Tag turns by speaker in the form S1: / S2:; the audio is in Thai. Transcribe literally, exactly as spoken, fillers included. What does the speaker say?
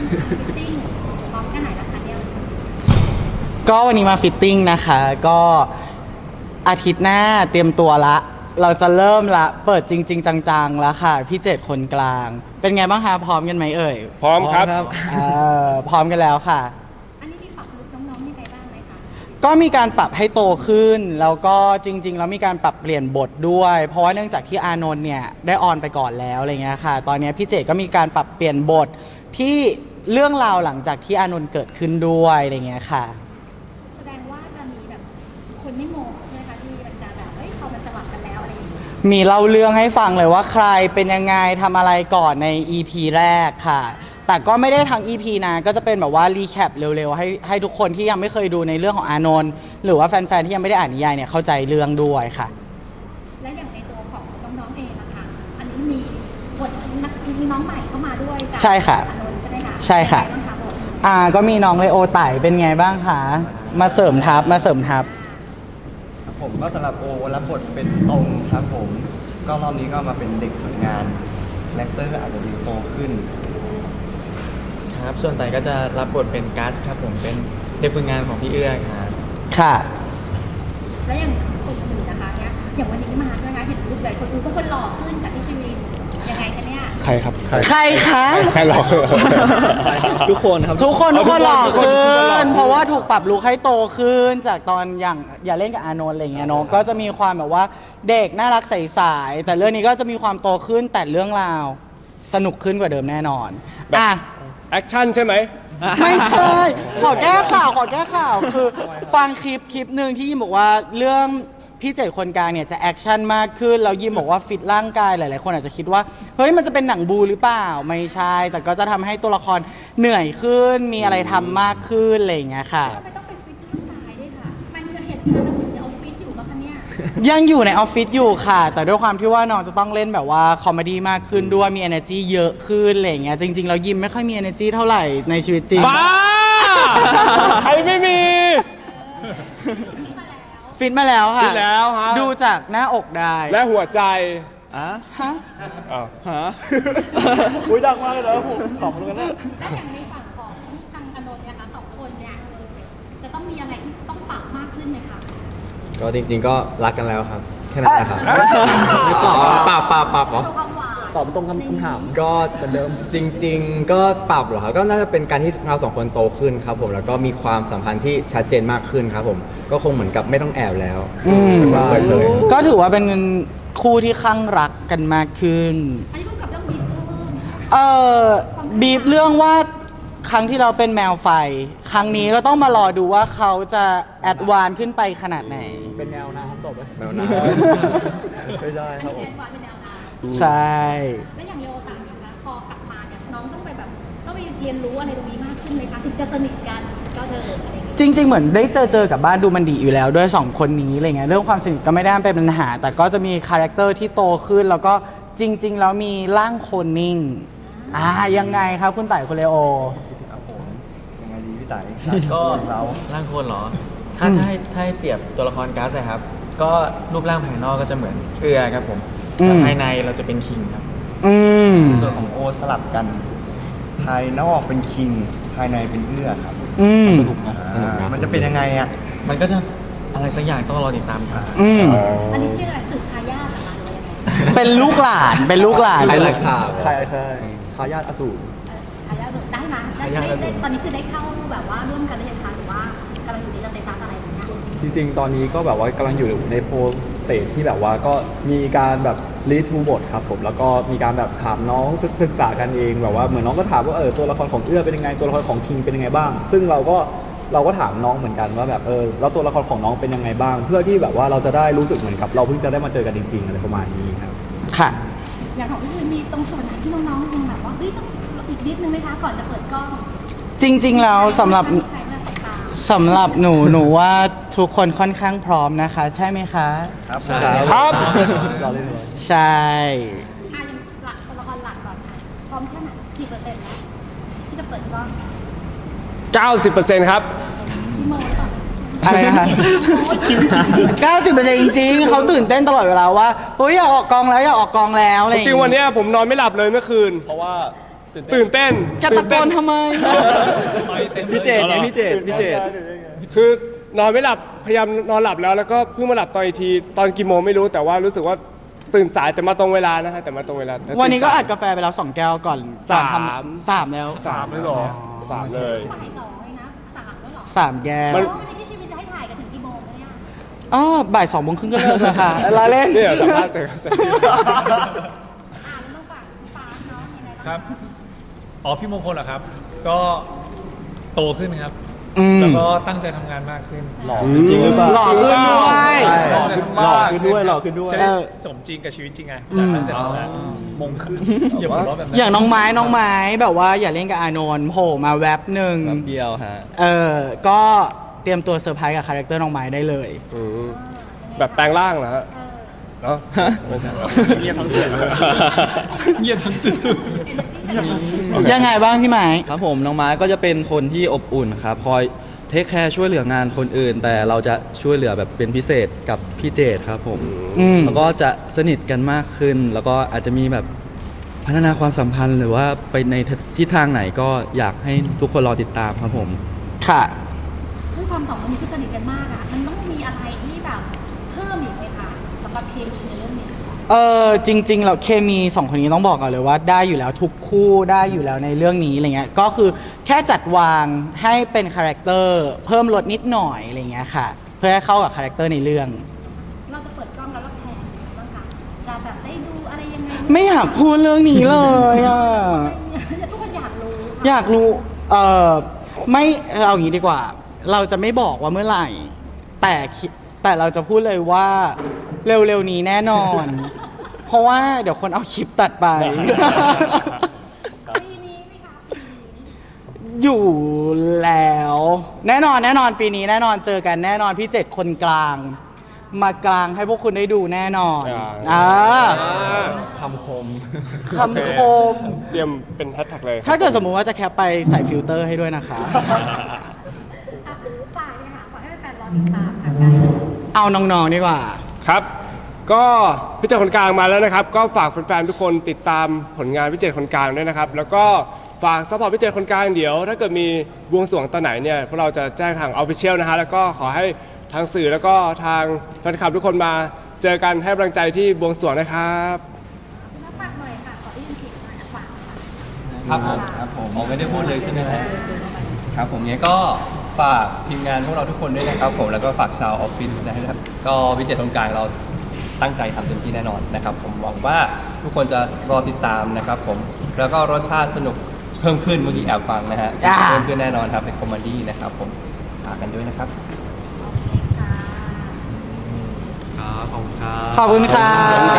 S1: ฟิตติ้งพร้อมแค่ไหนล่ะคะเนี่ย
S2: ก็วันนี้มาฟิตติ้งนะคะก็อาทิตย์หน้าเตรียมตัวละ เราจะเริ่มละเปิดจริง ๆ จังๆแล้วค่ะพี่เจ็ดคนกลาง เป็นไงบ้างคะพร้อมกันไหมเอ่ย
S3: พร้อมครับ
S2: เอ่อพร้อมกันแล้วค่ะ
S1: อันนี้มีปรับลุคน้องๆยังไงบ้างไหมคะ
S2: ก็มีการปรับให้โตขึ้น แล้วก็จริง ๆ แล้วมีการปรับเปลี่ยนบทด้วย เพราะว่าเนื่องจากที่อานนท์เนี่ยได้ออนไปก่อนแล้วอะไรเงี้ยค่ะ ตอนนี้พี่เจก็มีการปรับเปลี่ยนบทที่เรื่องราวหลังจากที่อานนท์เกิดขึ้นด้วยอะไรเงี้ยค่ะ
S1: แสดงว่าจะมีแบบคนไม่งงใช่ไหมคะที่มันจะแบบเฮ้ยพอมันสลับกันแล้วอะไรอย่างเงี้ย
S2: มีเล่าเรื่องให้ฟังเลยว่าใครเป็นยังไงทำอะไรก่อนใน อี พี แรกค่ะ แต่ก็ไม่ได้ทั้ง อี พี นะก็จะเป็นแบบว่ารีแคปเร็วๆให้ให้ทุกคนที่ยังไม่เคยดูในเรื่องของอานนท์หรือว่าแฟนๆที่ยังไม่ได้อ่านนิยายเนี่ยเข้าใจเรื่องด้วยค่ะ
S1: และอย่างในตัวของน้องๆเองนะคะอันนี้มีบทนักมีน้องใหม่เข้ามาด้วยจาก
S2: ใช่ค่ะ
S1: อานนท์ใช่ไหมคะ
S2: ใช่ค่ะ
S1: เป็นไงบ้างคะบท
S2: อ่าก็มีน้องเลโอไต่เป็นไงบ้างคะมาเสริมทัพมาเสริมทัพ
S4: ผมก็สำหรับโอรับบทเป็นตรงครับผม ก็รอบนี้ก็มาเป็นเด็กฝึกงานคาแรคเตอร์อาจจะดูโตขึ้น
S5: ครับส่วนไต่ก็จะรับบทเป็นกัสครับผมเป็นเด็กฝึกงานของพี่เอื้อครับ
S2: ค่ะ
S1: แล้วอย่างคนอื่นนะคะเนี่ยอย่างวันนี้มาใช่ไหมคะเห็นรูปเลยคนอื่นก็คนหล่อขึ้นจากที่ชีวิตยังไงคะเนี่ย
S3: ใครครับ ใคร
S2: ใครคะ
S3: ใครหรอ
S4: ทุกคนครับ
S2: ทุกคนทุกคนหล่อ
S3: ทุกคน
S2: ขึ้
S3: ทุกคนหล่อขึ้
S2: น
S3: น
S2: เพราะว่าถูกปรับลุคให้โตขึ้นจากตอนอย่างอย่าเล่นกับอานนท์อะไรอย่างเงี้ยเนาะก็จะมีความแบบว่าเด็กน่ารักใสๆแต่เรื่องนี้ก็จะมีความโตขึ้นแต่เรื่องราวสนุกขึ้นกว่าเดิมแน่นอนอ่ะ
S3: แอคชั่นใช่ไหม
S2: ไม่ใช่ ขอแก้ข่าว ขอแก้ข่าว คือฟังคลิปคลิปหนึ่งที่ยิมบอกว่าเรื่องพี่เจ็ดคนกลางเนี่ยจะแอคชั่นมากขึ้น แล้วยิมบอกว่าฟิตร่างกายหลายๆคนอาจจะคิดว่า เฮ้ยมันจะเป็นหนังบูหรือเปล่า ไม่ใช่ แต่ก็จะทำให้ตัวละครเหนื่อยขึ้น มีอะไรทำมากขึ้นอะไรอย่างเงี้ยค่ะ
S1: ทำไมต้องไปฟิตร่างกายด้วยค่ะมันจะเห็นมันอยู่ในออฟฟิศอยู่ปะคะเนี่ย
S2: ยังอยู่ในออฟฟิศอยู่ค่ะ แต่ด้วยความที่ว่าน้องจะต้องเล่นแบบว่าคอมเมดี้มากขึ้นด้วย มี energy เยอะขึ้นอะไรอย่างเงี้ย จริง ๆ เรายิมไม่ค่อยมี energy เท่าไหร่ในชีวิตจริง
S3: บ้า ใครไม่มี
S2: ฟิตมาแล้วค่ะ
S3: ฟิตแล้วฮะ
S2: ดูจากหน้าอกได้
S3: และหัวใจ
S2: ฮะ
S3: อ้าว
S4: ฮะ อุ้ยดังมากเลยนะผมขำเลยนะ
S1: แล้วอย่างในฝั่งของทางอานนท์เนี่ยค่ะสองคนเนี่ยจะต้องมีอะไรที่ต้องปรับมากขึ้นไหมคะ
S6: ก็จริงๆก็รักกันแล้วครับ แค่นั้นแหละครับปรับปรับปรับเหรอ
S1: ตัวความหวาน
S4: ตอบตรงคำคำถาม
S6: ก็เหมือนเดิมจริง ๆ ก็ปรับเหรอครับก็น่าจะเป็นการที่เราสองคนโตขึ้นครับผมแล้วก็มีความสัมพันธ์ที่ชัดเจนมากขึ้นครับผมก็คงเหมือนกับไม่ต้องแอบแล้ว
S2: อืม
S6: เปิดเผย
S2: ก็ถือว่าเป็นคู่ที่ข้างรักกันมากขึ้น
S1: อันนี้พูดกับเรื่องบีบเพิ่ม
S2: เออบีบเรื่องว่าครั้งที่เราเป็นแมวไฟ ครั้งนี้ก็ต้องมารอดูว่าเขาจะแอดวานซ์ขึ้นไปขนาดไหน
S4: เป็นแนวน้ำตบเลย
S6: แนวน้
S4: ไม่ใช่
S1: อัน
S4: ครับ
S1: นี้
S4: ผม
S1: แอนวานเป็นแนวน้ำ
S2: ใช่
S1: แล้วอย่างโยต่างนะคะพอกลับมาเนี่ยน้องต้องไปแบบต้องไปเรียนรู้อะไรตรงนี้มากขึ้นไหมคะถึงจะสนิทกันก็เดินอะไรอย่างเงี้ย
S2: จริง ๆ เหมือนได้เจอเจอกับบ้านดูมันดีอยู่แล้วด้วยสองคนนี้อะไรเงี้ยเรื่องความสนิทก็ไม่ได้เป็นปัญหา แต่ก็จะมีคาแรคเตอร์ที่โตขึ้น แล้วก็จริง ๆ แล้วมีร่างโคนนิ่งอ่ายังไงครับคุณไต่คุณเลโอ
S4: ครับผม ยังไงดีพี่ไต่
S5: ก็
S4: เรา
S5: ร่างคนเหรอ ถ้า
S2: อืม
S5: ถ้าให้ถ้าให้เปรียบตัวละครกัสอะครับ ก็รูปร่างภายนอกก็จะเหมือนเอื้อครับผมแต่ภายในเราจะเป็นคิงครับ
S2: อืม
S4: ส่วนของโอสลับกัน ภายนอกเป็นคิง ภายในเป็นเอื้อครับ
S2: อืม
S4: อ่ามันจะเป็นยังไงอ่ะ
S5: มันก็จะอะไรสักอย่างต้องรอติดตามครับ
S2: อืม
S1: อันนี้คืออะไรสืบทายาทเหรอคะหรือว่ายังไง
S2: เป็นลูกหลานเป็นลูกหลาน
S6: ำใครรักข่าว
S4: ใช่ใช่ทายาทอสูร
S1: ทายาทได้ไหมได้ได้ได้ตอนนี้คือได้เข้าแบบว่าร่วมกันหรือยังคะหรือว่ากำลังอยู่ในสเตตัสอะไรอย่างเงี้ย
S7: จริงๆ ตอนนี้ก็แบบว่ากำลังอยู่ในโปรเซสที่แบบว่าก็มีการแบบรีทูบทครับผมแล้วก็มีการแบบถามน้องศึกศึกษากันเองแบบว่าเหมือนน้องก็ถามว่าเออตัวละครของเอื้อเป็นยังไงตัวละครของคิงเป็นยังไงบ้าง ซึ่งเราก็เราก็ถามน้องเหมือนกันว่าแบบเออแล้วตัวละครของน้องเป็นยังไงบ้าง เพื่อที่แบบว่าเราจะได้รู้สึกเหมือนกับเราเพิ่งจะได้มาเจอกันจริงๆอะไรประมาณนี้ครับ
S2: ค่ะ
S1: อย่างของพี่คือมีตรงส่วนไหนที่น้องๆยังแบบว่าเฮ้ยต้องอีกนิดนึงไหมคะก่อนจะเปิดกล้อง
S2: จริง ๆ แล้วสำหรับ
S1: ใช้มาสายตา
S2: สำหรับหนูหนูว่าทุกคนค่อนข้างพร้อมนะคะ ใช่ไหมคะ
S4: ครับ
S5: ใช่
S3: ครับ
S7: เราเล่นเลย
S2: ใช่
S1: อ่ะยังหลักตัวละครหลักก่อนค่ะพร้อมแค่ไหนกี่เปอร์เซ็นต์แล้วที่จะเปิดกล้อง
S3: เก้าสิบเปอร์เซ็นต์ ครับ
S1: ชิโมหรือเปล่า
S2: อะไรนะคะ เก้าสิบเปอร์เซ็นต์ จริงๆเขาตื่นเต้นตลอดเวลาว่าเฮ้ยอยากออกกองแล้วอยากออกกองแล้วอะไรอ
S3: จ
S2: ย่าง
S3: ริงๆวันเนี้ยผมนอนไม่หลับเลยเมื่อคืน
S4: เพราะว่า
S3: ตื่นเต้น
S2: แกตะโกนทำไม
S6: พี่เจดไงพี่เจดพี่เจด
S3: คือนอนไม่หลับพยายามนอนหลับแล้วแล้วก็เพิ่งมาหลับตอนอีกทีตอนกี่โมงไม่รู้แต่ว่ารู้สึกว่าตื่นสายแต่มาตรงเวลานะฮะแต่มาตรงเวลาแต่
S2: วันนี้ก็
S3: ตื่สย
S2: อัดกาแฟไปแล้วสองแก้วก่อน
S3: สาม
S2: ก่อนทำสามแล้ว
S3: สามเลยเหรอสามเลย
S1: บ่ายสองเลยนะสามแล้วเหรอ
S2: สามแก้ว
S3: มัน
S1: แล้ววันนี้พี่ชีวิตจะให้ถ่ายกันถึงกี่โมงคะเนี่ย
S2: อ๋อบ่ายสองโมงครึ่งก็เลิกแล้วค่ะลาเล่น
S3: นี่เดี๋ยวสัมภาษณ์เสร็จเสร็จ
S1: อ่าแล้วต้องฝากพี่ฟ้าเนาะยังไง
S8: ครับ อ๋อ พี่มงคลเหรอครับ ก็โตขึ้นครับ
S2: อืม
S8: แล้วก็ตั้งใจทำงานมากขึ้น
S7: หล่อขึ้นจริงหรือเปล่า
S2: หล่อขึ้นด้วย
S7: หล่อขึ้นหล่อขึ้นด้วยหล่อขึ้นด้วย
S8: จะได้
S2: เออ
S8: สมจริงกับชีวิตจริงไง
S2: อื
S8: จะ
S2: ม
S8: ตั้งใจทำงาน
S7: มงขึ้น
S8: อย่าหัวเราะแบบนั้น
S2: อย่างน้องไม้น้องไม้แบบว่าอย่าเล่นกับอานนท์โผล่มาแวบหนึ่ง
S6: เดียวฮะ
S2: เออ ก็เตรียมตัวเซอร์ไพรส์กับคาแรคเตอร์น้องไม้ได้เลย
S3: อืมแบบแปลงร่างเหรอฮะ
S1: เออ
S3: เนาะไม่ใช่
S7: เงียบทั้งเสียงเลย
S8: เงียบทั้งสื่อ
S2: ยังไงบ้างพี่ไม้
S9: ครับผมน้องไม้ก็จะเป็นคนที่อบอุ่นครับคอยเทคแคร์ช่วยเหลืองานคนอื่น แต่เราจะช่วยเหลือแบบเป็นพิเศษกับพี่เจดครับผม
S2: อืม
S9: แล้วก็จะสนิทกันมากขึ้น แล้วก็อาจจะมีแบบพัฒนาความสัมพันธ์หรือว่าไปในทิศทางไหนก็อยากให้ทุกคนรอติดตามครับผม
S2: ค่ะ
S1: ด้วยความสองคนนี้คือสนิทกันมากอะมันต้องมีอะไรที่แบบเพิ่มอีกไหมคะสำหรับเคมีในเรื่องนี้
S2: เออจริงๆเราเคมีสองคนนี้ต้องบอกก่อนเลยว่าได้อยู่แล้วทุกคู่ได้อยู่แล้วในเรื่องนี้อะไรเงี้ยก็คือแค่จัดวางให้เป็นคาแรคเตอร์เพิ่มลดนิดหน่อยอะไรเงี้ยค่ะ เพื่อให้เข้ากับคาแรคเตอร์ในเรื่อง
S1: เราจะเปิดกล้องแล้วเราแพลนยังไงบ้างคะจะแบบได้ดูอะไรยังไง
S2: ไม่อยากพูดเรื่องนี้เลยอ่ะ
S1: ทุกคนอยากรู้ค่ะ
S2: อยากรู้เออไม่เออเอาอย่างนี้ดีกว่า เราจะไม่บอกว่าเมื่อไหร่ แต่คิดแต่เราจะพูดเลยว่าเร็วๆนี้แน่นอน เพราะว่าเดี๋ยวคนเอาคลิปตัดไป
S1: ปีนี้ไหมคะปีนี้
S2: อยู่แล้ว แน่นอนแน่นอนปีนี้แน่นอนเจอกันแน่นอนพี่เจ็ดคนกลาง มากลางให้พวกคุณได้ดูแน่นอน
S3: อ่า
S2: อ่า
S6: คำคม
S2: คำคม
S3: เตรียมเป็นแฮชแท็กเลย
S2: ถ้าเกิดสมมุติว่าจะแคปไปใส่ฟิลเตอร์ให้ด้วยนะคะ
S1: อ่ะฝากเลยค่ะฝากให้แฟนๆรอติดตามค่ะใกล้แล้ว
S2: เอาน้องๆดีกว่า
S3: ครับ ก็พี่เจตคนกลางมาแล้วนะครับ ก็ฝากแฟนๆทุกคนติดตามผลงานพี่เจตคนกลางด้วยนะครับ แล้วก็ฝากซัพพอร์ตพี่เจตคนกลางเดี๋ยว ถ้าเกิดมีบวงสรวงตอนไหนเนี่ยพวกเราจะแจ้งทางออฟฟิเชียลนะฮะแล้วก็ขอให้ทางสื่อแล้วก็ทางแฟนคลับทุกคนมาเจอกันให้กำลังใจที่บวงสรวงนะครับ
S1: มาฝากหน่อยค่ะขอได้ยินเสียงหน่อยอ่ะฝากค่ะ
S5: ครับผม
S4: ครับผม
S5: ผมไม่ได้พูดเลยใช่ไหมครับครับผมงั้นก็ฝากทีมงานพวกเราทุกคนด้วยนะครับผมแล้วก็ฝากชาวออฟฟิศนะครับก็วิจัยตรงกลางเราตั้งใจทำเต็มที่แน่นอนนะครับ ผมหวังว่าทุกคนจะรอติดตามนะครับ ผมแล้วก็รสชาติสนุกเพิ่มขึ้นเมื่อกี้แอบฟังนะฮะ
S2: อ่า
S5: เพิ่มขึ้นแน่นอนครับเป็นคอมเมดี้นะครับผมฝากกันด้วยนะครับ
S1: โอเคค่ะ
S7: ครับขอบคุณครับ
S2: ขอบคุณค่ะ